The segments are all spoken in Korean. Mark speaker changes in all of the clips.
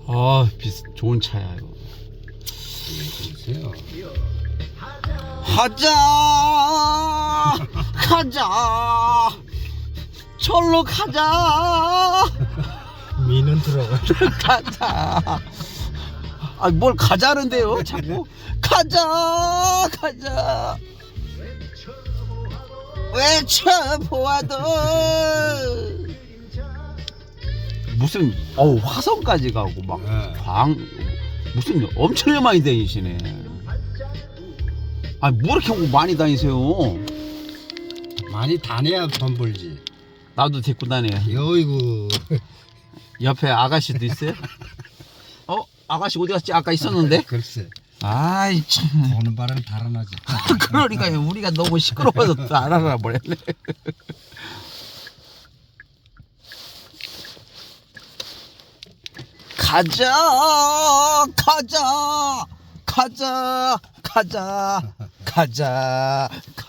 Speaker 1: 아, 좋은 차야 이거.
Speaker 2: 보세요.
Speaker 1: 가자, 가자, 절로 가자,
Speaker 2: 미는 들어가.
Speaker 1: 가자. 아, 뭘 가자는데요? 자꾸 가자, 가자. 외쳐보아도 무슨 화성까지 가고 막 무슨 엄청 많이 다니시네. 아니 뭐 이렇게 많이 다니세요?
Speaker 2: 많이 다녀야 돈 벌지.
Speaker 1: 나도 데리고 다녀.
Speaker 2: 어이구.
Speaker 1: 옆에 아가씨도 있어요? 아가씨 어디 갔지? 아까 있었는데?
Speaker 2: 글쎄.
Speaker 1: 아이 참.
Speaker 2: 보는 바람에 달아나지.
Speaker 1: 그러니까요. 우리가 너무 시끄러워서 또 안 알아버렸네. 가자, 가자, 가자, 가자, 가자.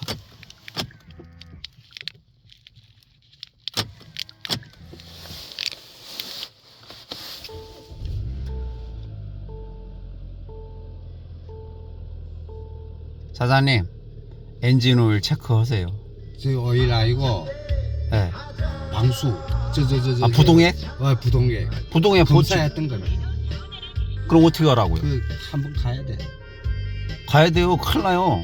Speaker 1: 사장님, 엔진 오일 체크하세요.
Speaker 2: 저 오일 아니고
Speaker 1: 네.
Speaker 2: 방수. 저.
Speaker 1: 부동액?
Speaker 2: 부동액.
Speaker 1: 부동액 보지.
Speaker 2: 검사했던 거는.
Speaker 1: 그럼 어떻게 하라고요?
Speaker 2: 한번 가야 돼.
Speaker 1: 가야 돼요. 큰일 나요.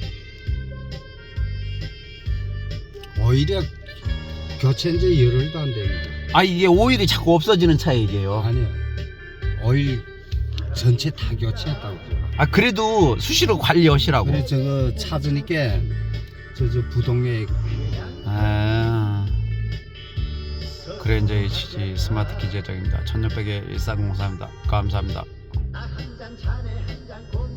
Speaker 2: 오히려 교체한 지 열흘도 안 됐는데.
Speaker 1: 아, 이게 오일이 자꾸 없어지는 차 얘기예요.
Speaker 2: 아니요. 오일 전체 다 교체했다고.
Speaker 1: 그래도 수시로 관리하시라고.
Speaker 2: 그래 저거 찾으니까 저 부동액.
Speaker 1: 그래 이제 HG 스마트 기재적입니다. 1600의 1404입니다. 감사합니다.